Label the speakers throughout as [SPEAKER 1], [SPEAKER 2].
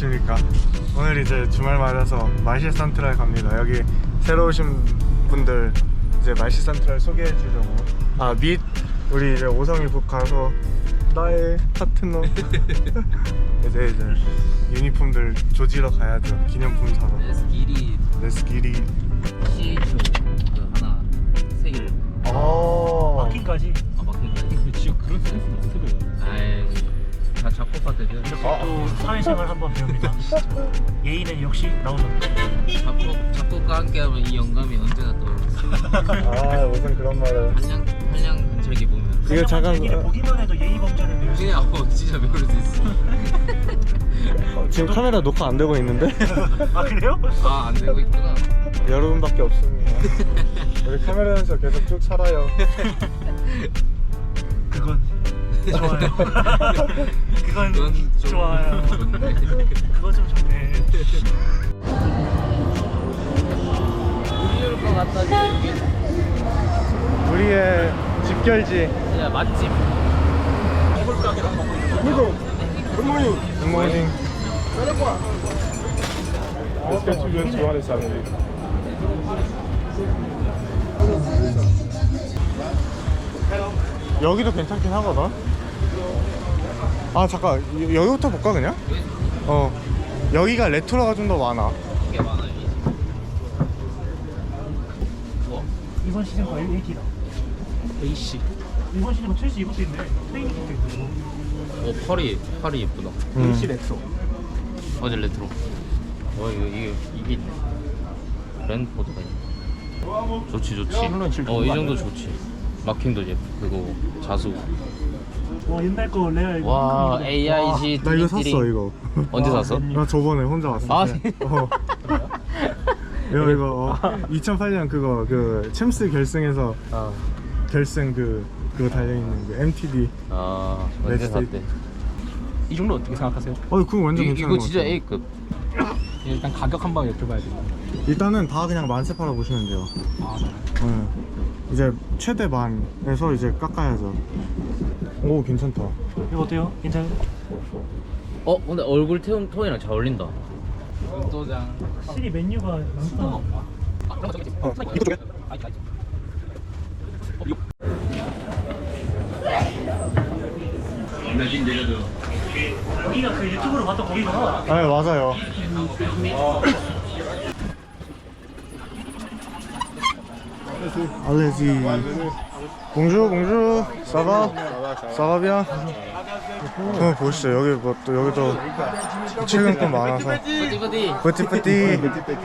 [SPEAKER 1] 안녕하십니까. 오늘 이제 주말 맞아서 말시 산트랄 갑니다. 여기 새로 오신 분들 이제 말시 산트랄 소개해 주려고 및 우리 이제 오성이 북 가서 나의 파트너 이제 유니폼들 조지러 가야죠. 기념품 사러.
[SPEAKER 2] 레스기리
[SPEAKER 1] CHO
[SPEAKER 2] 그 하나 세일.
[SPEAKER 3] 마킹까지.
[SPEAKER 2] 마킹까지.
[SPEAKER 3] 지금 그런 센스는 어떻게 배워요?
[SPEAKER 2] 아이 다 작곡가 때죠.
[SPEAKER 3] 이렇게 또 사회생활 한번 배웁니다. 예의는 역시 나오던데.
[SPEAKER 2] 작곡과 함께하면 이 영감이 언제나 떠오르죠.
[SPEAKER 1] 무슨 그런 말을.
[SPEAKER 2] 한량 근처에 보면.
[SPEAKER 1] 이거 잠깐
[SPEAKER 3] 얘기를 보기만 해도 예의 범죄를 배울 수 있어.
[SPEAKER 2] 그냥 진짜 배울 수 있어.
[SPEAKER 1] 지금 카메라 녹화 안 되고 있는데?
[SPEAKER 3] 아 그래요?
[SPEAKER 2] 안 되고 있구나.
[SPEAKER 1] 여러분밖에 없습니다. 우리 카메라에서 계속 쭉 살아요.
[SPEAKER 3] 그건 좋아요. 그건 좋아요. 그거 좀 좋네.
[SPEAKER 2] 우리를 것 같다 이게.
[SPEAKER 1] 우리의 집결지.
[SPEAKER 2] 진짜 맛집.
[SPEAKER 1] 굿모닝. 여기도 괜찮긴 하거든. 잠깐 여기부터 볼까 그냥? 여기가 레트로가 좀 더 많아.
[SPEAKER 2] 이게 많아요. 우와.
[SPEAKER 3] 이번 시즌 거 LAT다.
[SPEAKER 2] AC.
[SPEAKER 3] 이번 시즌 첼시 이것도 있네. 트레이닝 킥도 있고.
[SPEAKER 2] 팔이 예쁘다.
[SPEAKER 3] AC 렉소.
[SPEAKER 2] 어제 레트로. 이게 있네. 랜포드가 있네. 좋지. 이 정도 좋지. 마킹도 예쁘고 자수.
[SPEAKER 3] 와 옛날 거 레알.
[SPEAKER 2] 와 AIG.
[SPEAKER 1] 나 이거 샀어 이거.
[SPEAKER 2] 언제 샀어?
[SPEAKER 1] 나 저번에 혼자 왔을 때. 이거 2008년 그거 그 챔스 결승에서 결승 그거 달려있는 그 MTD.
[SPEAKER 2] 언제 샀대?
[SPEAKER 3] 이 정도 어떻게 생각하세요?
[SPEAKER 1] 그거 완전 괜찮은
[SPEAKER 2] 이거
[SPEAKER 1] 것
[SPEAKER 2] 진짜
[SPEAKER 1] 같아.
[SPEAKER 2] A급.
[SPEAKER 3] 일단 가격 한 방 여쭤봐야 돼요.
[SPEAKER 1] 일단은 다 그냥 만세 팔아 보시면 돼요. 네. 이제 최대 만에서 이제 깎아야죠. 오 괜찮다.
[SPEAKER 3] 이거 어때요? 괜찮아요?
[SPEAKER 2] 근데 얼굴 톤이랑 잘 어울린다. 도장.
[SPEAKER 3] 확실히 메뉴가 많구나.
[SPEAKER 1] 이거 쪽에?
[SPEAKER 3] 여기가 그 유튜브로 봤던 거기구나.
[SPEAKER 1] 네 맞아요. 알레지. 봉주 사바 사바비야. 보시죠. 여기 또 여기도 출근권 많아서. 뿌띠뿌띠.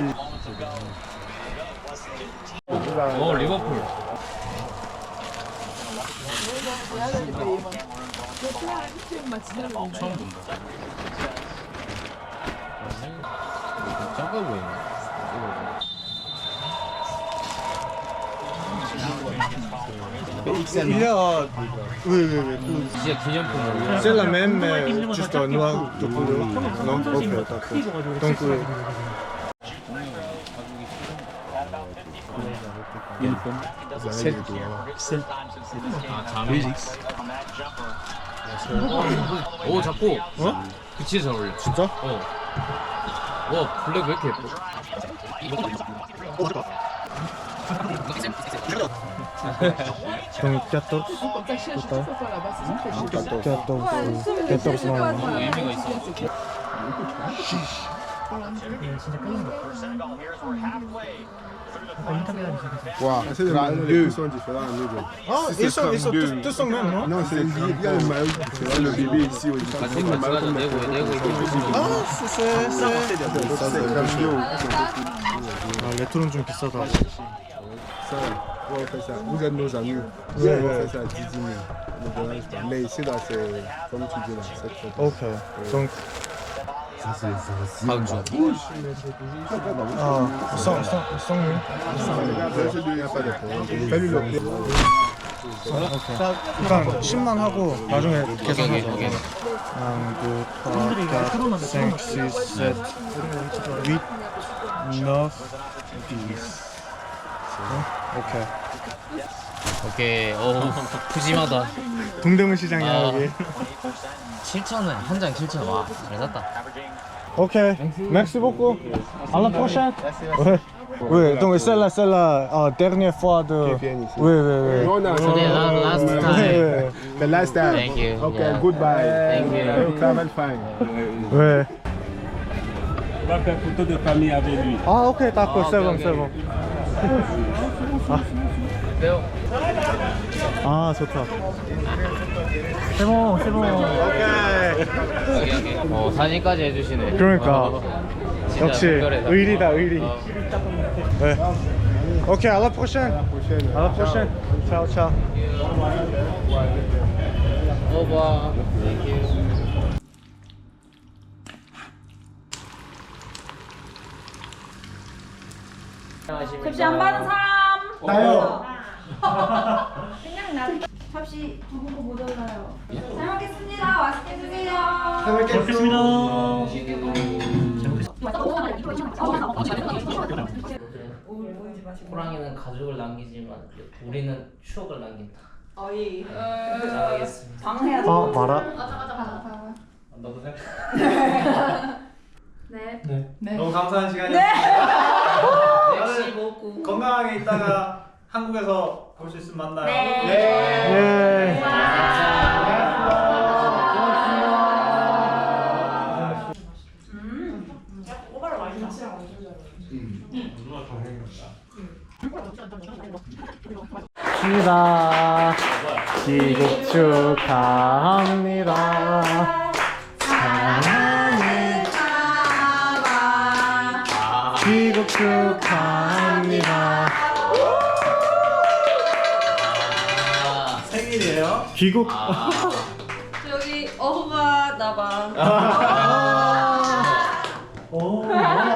[SPEAKER 2] 리버풀. 처음 본다. 작아 보이네.
[SPEAKER 1] Oui.
[SPEAKER 2] 진짜 기념품으로.
[SPEAKER 1] C'est la même, mais juste en noir de couleur. Non? Ok, d'accord. Donc,
[SPEAKER 2] 자미. 오 잡고. 그 진짜 잘 어울려.
[SPEAKER 1] 진짜?
[SPEAKER 2] 와 블랙 왜 이렇게 예뻐?
[SPEAKER 1] Donc 14. Total. 14
[SPEAKER 2] 의미가 있어.
[SPEAKER 3] 진짜 끌리는 거. 인터뷰하는 중에서.
[SPEAKER 4] Wow, les sont différents.
[SPEAKER 1] ils tous sont mêmes, non?
[SPEAKER 4] Non, il y a le maillot, tu vois, le bébé ici.
[SPEAKER 2] 같이 가자. 내고
[SPEAKER 1] 레트로는 좀 비싸다.
[SPEAKER 4] Ça, on fait ça. Vous êtes nos amis. On fait ça à 10 000. Mais ici, là, c'est comme tu dis, là, c'est trop.
[SPEAKER 1] Ok. Donc,
[SPEAKER 2] 박주.
[SPEAKER 1] sans nous.
[SPEAKER 4] Il n'y a pas de problème. Fais-lui le prix.
[SPEAKER 1] 일단 10만 하고 나중에 계산하자.
[SPEAKER 2] 오케이.
[SPEAKER 1] 1, 2, 3, 4, 5, 6, 7, 8, 9, 10. 오케이.
[SPEAKER 2] 오케이. 푸짐하다.
[SPEAKER 1] 동대문 시장이야 여기.
[SPEAKER 2] 7,000원 한 장 7,000원. 와, 잘 샀다.
[SPEAKER 1] Ok, merci beaucoup. À la prochaine. Ouais. Oui, donc c'est la dernière fois de.
[SPEAKER 4] viennent ici.
[SPEAKER 1] Oui, oui, oui.
[SPEAKER 4] Non, non,
[SPEAKER 2] Today, last
[SPEAKER 1] Oui,
[SPEAKER 2] time.
[SPEAKER 1] oui,
[SPEAKER 4] The last time.
[SPEAKER 2] Thank you.
[SPEAKER 4] Okay,
[SPEAKER 2] Yeah.
[SPEAKER 4] goodbye.
[SPEAKER 2] Thank you.
[SPEAKER 4] Travel fine.
[SPEAKER 1] oui.
[SPEAKER 5] On va faire photo de famille avec lui.
[SPEAKER 1] Ah, ok, d'accord,
[SPEAKER 2] Ah,
[SPEAKER 1] c'est
[SPEAKER 2] ok,
[SPEAKER 1] bon,
[SPEAKER 2] ok.
[SPEAKER 1] c'est bon.
[SPEAKER 2] 배워.
[SPEAKER 1] 아, 좋다.
[SPEAKER 3] C'est bon, c'est bon.
[SPEAKER 1] 오케이.
[SPEAKER 2] 여기. 사진까지 해주시네.
[SPEAKER 1] 그러니까.
[SPEAKER 2] 진짜
[SPEAKER 1] 역시
[SPEAKER 2] 특별하다.
[SPEAKER 1] 의리다, 의리.
[SPEAKER 2] 어.
[SPEAKER 1] 네. Ok, à la prochaine.
[SPEAKER 4] Prochaine.
[SPEAKER 1] À la prochaine. Ciao, ciao.
[SPEAKER 2] 오바. 땡큐.
[SPEAKER 6] 접시 안 받은 사람.
[SPEAKER 1] 나요.
[SPEAKER 6] 그냥 나. 접시 두 분 거 모자라요. 잘 먹겠습니다. 맛있게 드세요.
[SPEAKER 3] 먹겠습니다.
[SPEAKER 2] 호랑이는 가족을 남기지만 우리는 추억을 남긴다.
[SPEAKER 6] 어이.
[SPEAKER 2] 잘하겠습니다.
[SPEAKER 6] 방해야 돼.
[SPEAKER 1] 아, 말아.
[SPEAKER 2] 너도 생각.
[SPEAKER 6] 네.
[SPEAKER 7] 너무 감사한 시간이었습니다.
[SPEAKER 2] 역시 먹고.
[SPEAKER 7] 건강하게 있다가 한국에서 볼 수 있으면 만나요.
[SPEAKER 6] 네.
[SPEAKER 1] 예. 시다 귀국 축하합니다. 사랑하는 귀국 축하합니다.
[SPEAKER 7] 생일이에요.
[SPEAKER 1] 귀국.
[SPEAKER 6] 저기 어부가 나봐.
[SPEAKER 7] 오.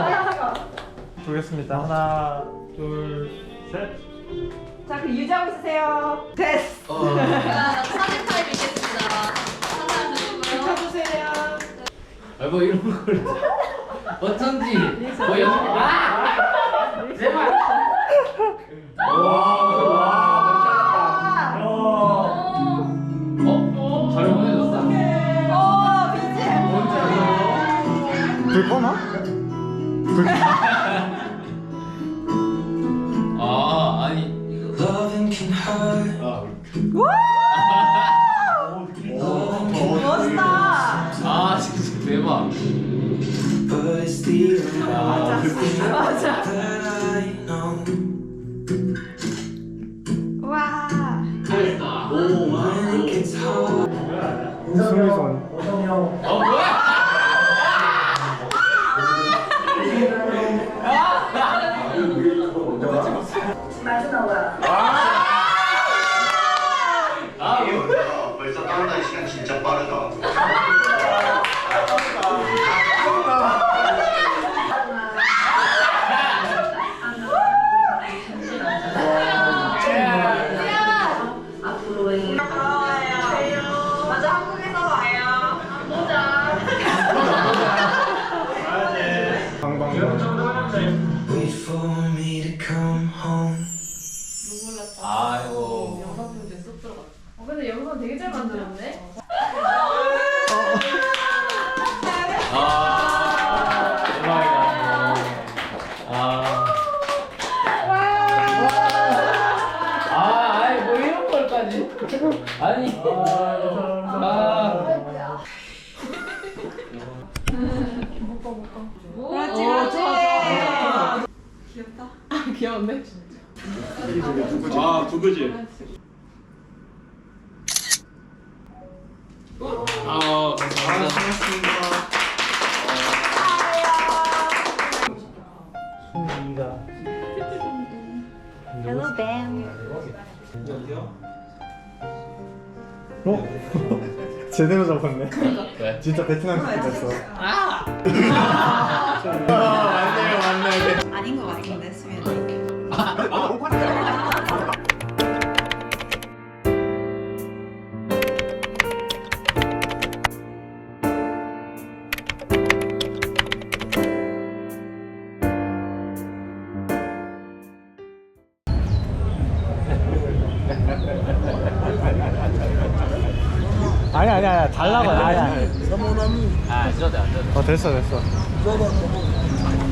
[SPEAKER 7] 보겠습니다. 하나, 둘, 셋.
[SPEAKER 6] 자, 그 유지하고 있으세요. 됐어.
[SPEAKER 8] 사진 타임 있겠습니다. 사진 주시고요.
[SPEAKER 6] 쳐주세요.
[SPEAKER 2] 뭐 이런 걸 어쩐지 뭐 연습 제발 잘 보내줬어.
[SPEAKER 1] 불 꺼나?
[SPEAKER 2] 아 아니 이거
[SPEAKER 6] 멋있다.
[SPEAKER 2] 아 진짜 대박.
[SPEAKER 6] 맞아. 와.
[SPEAKER 1] 수미선.
[SPEAKER 2] 뭐야?
[SPEAKER 9] 벌써 따라다닐 시간 진짜 빠르다.
[SPEAKER 6] 맞아, 한국에서 와요.
[SPEAKER 2] 아이고.
[SPEAKER 8] 근데 영상 되게 잘 만들었네.
[SPEAKER 2] 아 대박이다. 아이 뭐 이런 걸까지? 아니.
[SPEAKER 6] 그렇지, 그렇지.
[SPEAKER 8] 귀여운데?
[SPEAKER 5] 아, 두부지.
[SPEAKER 2] 아 감사합니다.
[SPEAKER 6] Hello, Ben.
[SPEAKER 1] 어? 제대로 잡았네.
[SPEAKER 2] 왜?
[SPEAKER 1] 진짜 베트남 스킬 됐어.
[SPEAKER 6] 아닌 거 같은데, 수면이.
[SPEAKER 1] 아니야 달라고 아니야.
[SPEAKER 4] C'est mon ami.
[SPEAKER 1] 됐어.